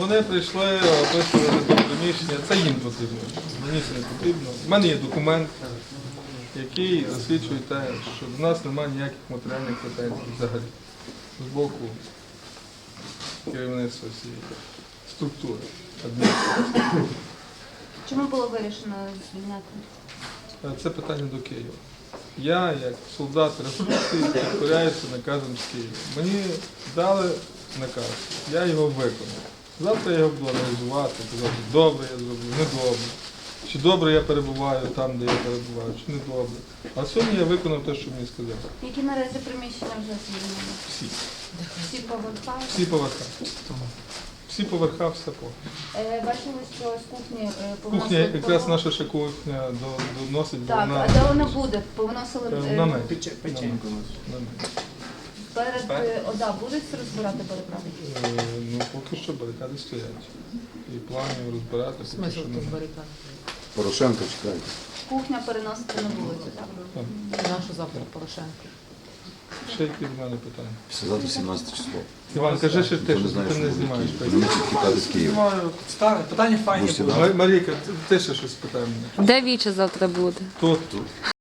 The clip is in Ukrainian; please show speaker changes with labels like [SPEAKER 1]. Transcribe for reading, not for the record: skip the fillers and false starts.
[SPEAKER 1] Вони прийшли, описували до приміщення, це їм потрібно, мені це не потрібно. У мене є документ, який засвідчує те, що до нас немає ніяких матеріальних претензій взагалі з боку керівництва цієї структури адміністрації.
[SPEAKER 2] Чому було вирішено звільняти?
[SPEAKER 1] Це питання до Києва. Я, як солдат революції, підкоряюся наказом з Києва. Мені дали наказ, я його виконав. Завтра я його буду аналізувати, казати, добре я зроблю, недобре. Чи добре я перебуваю там, де я перебуваю, чи не добре. А сьогодні я виконав те, що мені сказали.
[SPEAKER 2] Які наразі приміщення вже звільнені?
[SPEAKER 1] Всі.
[SPEAKER 2] Всі поверхи?
[SPEAKER 1] Всі поверха. Всі поверха, все по.
[SPEAKER 2] Бачили, що з кухні
[SPEAKER 1] Кухня,
[SPEAKER 2] повносили...
[SPEAKER 1] якраз наша ще кухня доносить,
[SPEAKER 2] Так,
[SPEAKER 1] вона...
[SPEAKER 2] а де вона буде? Повносили...
[SPEAKER 1] На мене.
[SPEAKER 3] Печеньку.
[SPEAKER 2] Перед ОДА будуть розбирати барикади?
[SPEAKER 1] Ну, поки що барикади стоять. І планів розбирати.
[SPEAKER 3] Смисл тут барикад?
[SPEAKER 4] Порошенко чекайте.
[SPEAKER 2] Кухня переносити на вулицю, так?
[SPEAKER 3] Нашу завтра Порошенко.
[SPEAKER 1] Ще які в мене питання?
[SPEAKER 4] Післязавтра 17 число.
[SPEAKER 1] Іван, кажи ще те,
[SPEAKER 4] Ніхто
[SPEAKER 1] що
[SPEAKER 4] не знає,
[SPEAKER 1] ти
[SPEAKER 4] що
[SPEAKER 1] не
[SPEAKER 4] буде
[SPEAKER 1] знімаєш.
[SPEAKER 4] Київ. Вони будуть тікати з Києва.
[SPEAKER 1] Знімаю.
[SPEAKER 5] Ставить. Питання файні
[SPEAKER 4] Будете
[SPEAKER 5] були.
[SPEAKER 4] далі?
[SPEAKER 1] Марійка, ти ще щось питай мене.
[SPEAKER 6] Де Віча завтра буде?
[SPEAKER 1] Тут.